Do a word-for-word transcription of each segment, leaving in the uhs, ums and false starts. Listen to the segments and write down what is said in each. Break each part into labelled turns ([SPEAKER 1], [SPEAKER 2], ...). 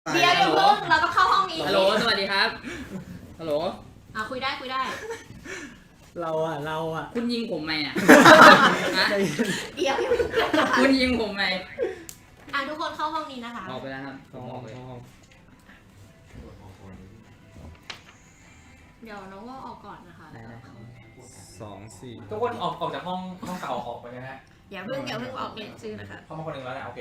[SPEAKER 1] เดี๋ยวอย่าเพิ่งเราต้องเข้าห้องนี้
[SPEAKER 2] ฮัลโหลสวัสดีครับฮัลโหล
[SPEAKER 1] อ่ะคุยได้คุยได้
[SPEAKER 3] เราอ่ะเราอ่ะ
[SPEAKER 2] คุณยิงผมไหมอ่ะฮะ
[SPEAKER 1] เดี๋ยวอย่าเพิ่งกันนะคะ
[SPEAKER 2] คุณยิงผมไหม
[SPEAKER 1] อ่ะทุกคนเข้าห้องนี้นะคะ
[SPEAKER 2] ออกไปแล้วครับ
[SPEAKER 3] ห้องห้อง
[SPEAKER 1] เดี๋ยวน้องว่าออกก่อนนะคะ
[SPEAKER 2] ได้ได้
[SPEAKER 3] สองสี่
[SPEAKER 4] ทุกคนออกออกจากห้องห้องเก่าออกไปนะฮะ
[SPEAKER 1] อย่าเพิ่งอย่าเพิ่งออกเรียนชื่อนะคะ
[SPEAKER 4] เข้ามาคนหนึ่งแล้วนะโอเค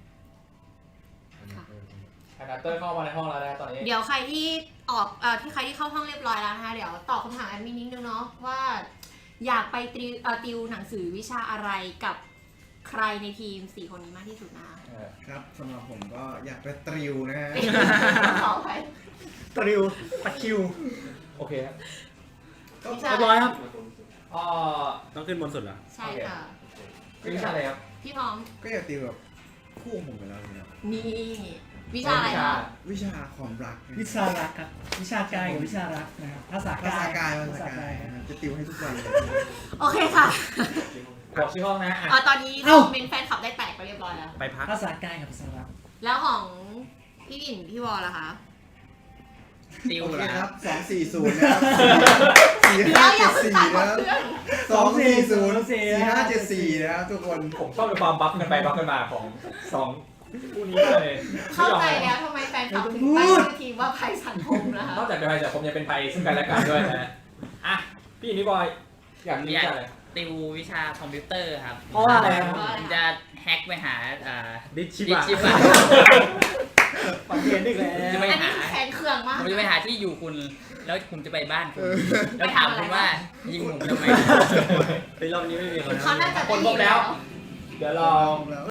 [SPEAKER 1] ค่ะ
[SPEAKER 4] คณะเตอร์เข้ามาในห้องแล้วนะตอนนี้
[SPEAKER 1] เดี๋ยวใครที่ออกเอ่อที่ใครที่เข้าห้องเรียบร้อยแล้วนะคะเดี๋ยวตอบคำถามแอดมินนิดนึงเนาะว่าอยากไปติวเอ่อติวหนังสือวิชาอะไรกับใครในทีมสี่คนนี้มากที่สุดนะคะ
[SPEAKER 4] เออ
[SPEAKER 5] ครับสำหรับผมก็อยากไปตริวนะฮะ
[SPEAKER 1] ขอไป
[SPEAKER 3] ตริวตะคริว
[SPEAKER 4] โอเคครับ
[SPEAKER 1] วิชา
[SPEAKER 3] เรียบร้อยครับ
[SPEAKER 4] อ๋อ
[SPEAKER 3] ต้องขึ้นบนสุดเหรอ
[SPEAKER 1] ใช่ค่ะ
[SPEAKER 4] วิชาอะไรครับ
[SPEAKER 1] พี่พร้อม
[SPEAKER 5] ก็อยากติวแบบคู่ผมไปแล้วนะครับ
[SPEAKER 1] นี่วิชาอะไรคะ
[SPEAKER 5] วิชาความรักนะ
[SPEAKER 6] วิชารักครับ วิชากายกับวิชารักนะครับภาษา
[SPEAKER 5] ภาษากาย
[SPEAKER 6] ภา
[SPEAKER 5] ภา
[SPEAKER 6] ษา
[SPEAKER 5] ษากาก
[SPEAKER 6] าย ย
[SPEAKER 5] นะครับจะติวให้ทุกวันเลย
[SPEAKER 1] โอเคค่ะ
[SPEAKER 4] บอกชื่อห้องนะ
[SPEAKER 1] เอ่
[SPEAKER 4] อ่ะ
[SPEAKER 1] อตอนนี้
[SPEAKER 6] เอ้า
[SPEAKER 1] คอมเมนต์แฟนคลับได้แตกไปเรียบร้อยแล้ว
[SPEAKER 3] ไปพัก
[SPEAKER 6] ภาษากายกับภาษารัก
[SPEAKER 1] แล้วของพี่หลินพี่วอลล่ะคะ
[SPEAKER 2] ติว
[SPEAKER 5] โอเค
[SPEAKER 2] เหรอ
[SPEAKER 5] ค
[SPEAKER 2] ค
[SPEAKER 5] รั
[SPEAKER 2] รั
[SPEAKER 5] บบ สองสี่ศูนย์นะครับสี่
[SPEAKER 1] เดี๋
[SPEAKER 5] ห้า
[SPEAKER 1] ยวอย่า
[SPEAKER 5] เจ็ด
[SPEAKER 1] เพิ่ง
[SPEAKER 5] สี่
[SPEAKER 1] ตัดหม
[SPEAKER 5] นะ
[SPEAKER 1] ด
[SPEAKER 5] ครับ
[SPEAKER 1] เพื่อน
[SPEAKER 5] สองสี่ศูนย์สี่ห้าเจ็ดสี่นะครับทุกคน
[SPEAKER 4] ผมชอบในความบัฟกันไปบัฟกันมาของสองคู่นี้เลย
[SPEAKER 1] เข้าใจแล้วทำไมแฟนคลับถึงตั้งชื่อทีมว่าภัยสังคมนะคะ
[SPEAKER 4] นอกจากเป็นภัยแต่ผมยังเป็นภัยซึ่งกันและกันด้วยนะอ่ะพี่นี่บอยอยาก
[SPEAKER 2] ผม
[SPEAKER 4] มี
[SPEAKER 2] อยาก
[SPEAKER 4] อะไร
[SPEAKER 2] ติววิชาคอมพิวเตอร์ครับ
[SPEAKER 3] เพราะว่าอะไรครับ
[SPEAKER 2] ผมจะแฮ็กไปหาอ่า
[SPEAKER 3] ดิชิ
[SPEAKER 2] ดิ
[SPEAKER 3] บะ
[SPEAKER 2] ชิบะ
[SPEAKER 3] ปันเทียนอีกแล้
[SPEAKER 2] จะ
[SPEAKER 3] ว
[SPEAKER 2] ไป
[SPEAKER 1] อันนี้
[SPEAKER 2] หา
[SPEAKER 1] คือแคนเครื่องมาก
[SPEAKER 2] ผมจะไปหาที่อยู่คุณ แล้วผมจะไปบ้านคุณ แล้วถามคุณว่ายิงผมทำไม
[SPEAKER 3] ไปรอบนี้ไม่มีคน
[SPEAKER 1] เขาน่าจะ
[SPEAKER 4] คนพบแล้ว เดี๋ยวเรา
[SPEAKER 5] แล้ว